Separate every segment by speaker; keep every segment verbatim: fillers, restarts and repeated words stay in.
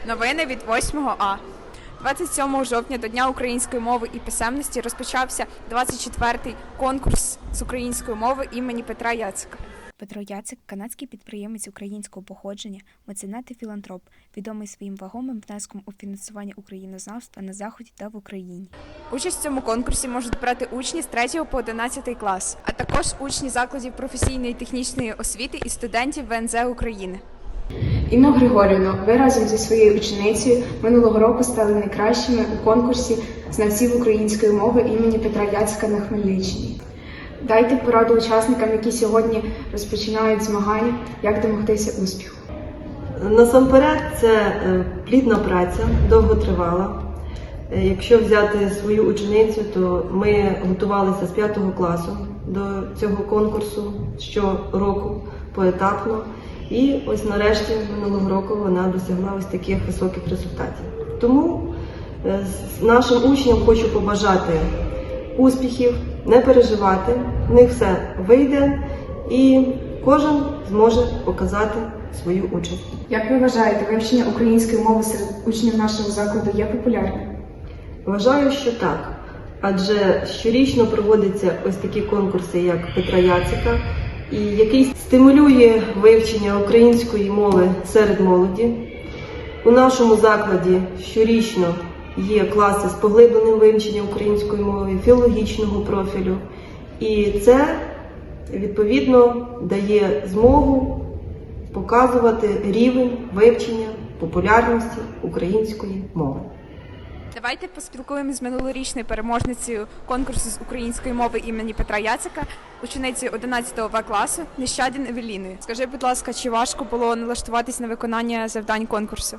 Speaker 1: Новини від восьмого А. двадцять сьомого жовтня до Дня української мови і писемності розпочався двадцять четвертий конкурс з української мови імені Петра Яцика.
Speaker 2: Петро Яцик – канадський підприємець українського походження, меценат і філантроп, відомий своїм вагомим внеском у фінансування українознавства на Заході та в Україні.
Speaker 1: Участь в цьому конкурсі можуть брати учні з третього по одинадцятий клас, а також учні закладів професійної технічної освіти і студентів ВНЗ України.
Speaker 3: Інно Григорівно, ви разом зі своєю ученицею минулого року стали найкращими у конкурсі знавців української мови імені Петра Яцика на Хмельниччині. Дайте пораду учасникам, які сьогодні розпочинають змагання, як домогтися успіху.
Speaker 4: Насамперед, це плідна праця, довготривала. Якщо взяти свою ученицю, то ми готувалися з п'ятого класу до цього конкурсу щороку поетапно. І ось нарешті минулого року вона досягла ось таких високих результатів. Тому нашим учням хочу побажати успіхів, не переживати, в них все вийде і кожен зможе показати свою участь.
Speaker 3: Як ви вважаєте, вивчення української мови серед учнів нашого закладу є популярним?
Speaker 4: Вважаю, що так. Адже щорічно проводяться ось такі конкурси, як Петра Яцика, і який стимулює вивчення української мови серед молоді. У нашому закладі щорічно є класи з поглибленим вивченням української мови, філологічного профілю. І це, відповідно, дає змогу показувати рівень вивчення популярності української мови.
Speaker 1: Давайте поспілкуємося з минулорічною переможницею конкурсу з української мови імені Петра Яцика, ученицею одинадцятого В класу Нещадін Евеліною. Скажи, будь ласка, чи важко було налаштуватись на виконання завдань конкурсу?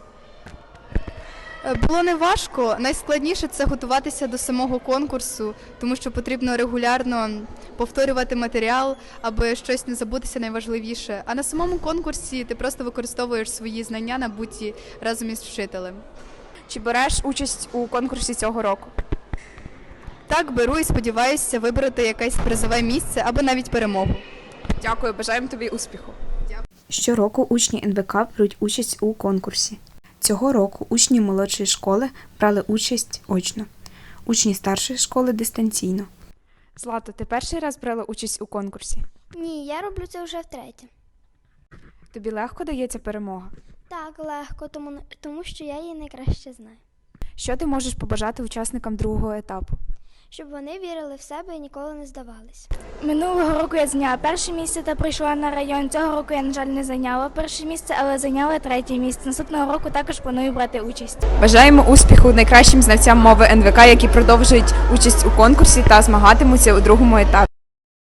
Speaker 5: Було не важко. Найскладніше – це готуватися до самого конкурсу, тому що потрібно регулярно повторювати матеріал, аби щось не забутися найважливіше. А на самому конкурсі ти просто використовуєш свої знання, набуті разом із вчителем.
Speaker 1: Чи береш участь у конкурсі цього року?
Speaker 5: Так, беру і сподіваюся вибрати якесь призове місце або навіть перемогу.
Speaker 1: Дякую, бажаємо тобі успіху.
Speaker 2: Щороку учні ен ве ка беруть участь у конкурсі. Цього року учні молодшої школи брали участь очно, учні старшої школи – дистанційно.
Speaker 1: Злато, ти перший раз брала участь у конкурсі?
Speaker 6: Ні, я роблю це вже втретє.
Speaker 1: Тобі легко дається перемога?
Speaker 6: Так, легко, тому, тому що я її найкраще знаю.
Speaker 1: Що ти можеш побажати учасникам другого етапу?
Speaker 6: Щоб вони вірили в себе і ніколи не здавались.
Speaker 7: Минулого року я зайняла перше місце та прийшла на район. Цього року я, на жаль, не зайняла перше місце, але зайняла третє місце. Наступного року також планую брати участь.
Speaker 1: Бажаємо успіху найкращим знавцям мови ен ве ка, які продовжують участь у конкурсі та змагатимуться у другому етапі.